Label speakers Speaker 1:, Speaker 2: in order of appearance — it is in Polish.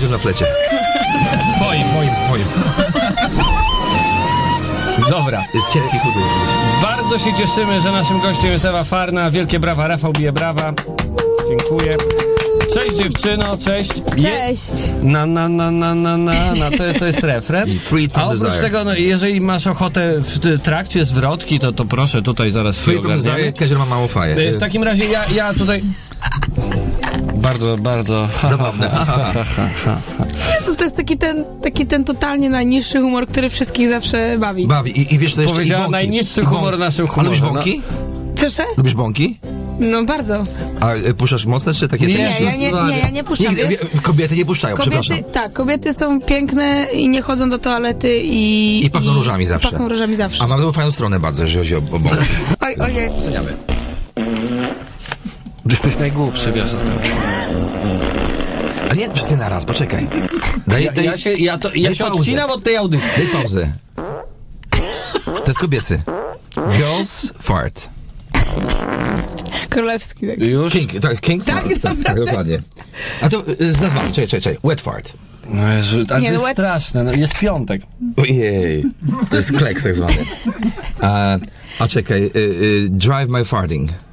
Speaker 1: Kaziem na flecie.
Speaker 2: Moim. Dobra.
Speaker 1: Jest cienki, chudy.
Speaker 2: Bardzo się cieszymy, że naszym gościem jest Ewa Farna. Wielkie brawa, Rafał bije brawa. Dziękuję. Cześć dziewczyno, cześć.
Speaker 3: Cześć.
Speaker 2: To jest refren.
Speaker 1: Freed from
Speaker 2: A oprócz
Speaker 1: desire.
Speaker 2: tego, no, jeżeli masz ochotę w trakcie zwrotki, to proszę tutaj zaraz
Speaker 1: Free from desire, Kazior ma małą faję.
Speaker 2: W takim razie ja tutaj... Bardzo...
Speaker 1: Zabawne.
Speaker 3: To jest taki ten totalnie najniższy humor, który wszystkich zawsze bawi.
Speaker 1: Bawi. I wiesz, to jeszcze
Speaker 2: Powiedziała
Speaker 1: i bąki.
Speaker 2: najniższy
Speaker 1: I
Speaker 2: humor naszym
Speaker 1: A lubisz
Speaker 2: humorze.
Speaker 1: bąki?
Speaker 3: Proszę?
Speaker 1: Lubisz bąki?
Speaker 3: No bardzo.
Speaker 1: A puszczasz mocne, czy takie...
Speaker 2: Nie,
Speaker 3: Ja nie puszczam,
Speaker 1: Nigdy,
Speaker 3: wiesz?
Speaker 1: kobiety nie puszczają, przepraszam.
Speaker 3: Kobiety są piękne i nie chodzą do toalety i...
Speaker 1: I pachną różami zawsze.
Speaker 3: Pachną różami zawsze.
Speaker 1: A mam tą fajną stronę bardzo, jeżeli chodzi o bąki.
Speaker 3: Ojej.
Speaker 1: Oceniamy.
Speaker 2: Jesteś najgłupszy, wiesz o tym.
Speaker 1: A nie wszystkie naraz, poczekaj.
Speaker 2: Ja się
Speaker 1: pauzę.
Speaker 2: odcinam od tej audycji.
Speaker 1: Daj pauzę. To jest kobiecy. Girls fart.
Speaker 3: Królewski. Tak.
Speaker 2: Już?
Speaker 1: King
Speaker 3: Tak,
Speaker 1: fart. Tak, dokładnie. A to z nazwami, czekaj. Wet fart.
Speaker 2: No Jezu, ale
Speaker 3: Nie,
Speaker 2: to
Speaker 3: no
Speaker 2: jest straszne, no, jest piątek.
Speaker 1: Ojej. To jest kleks tak zwany. A czekaj, drive my farting.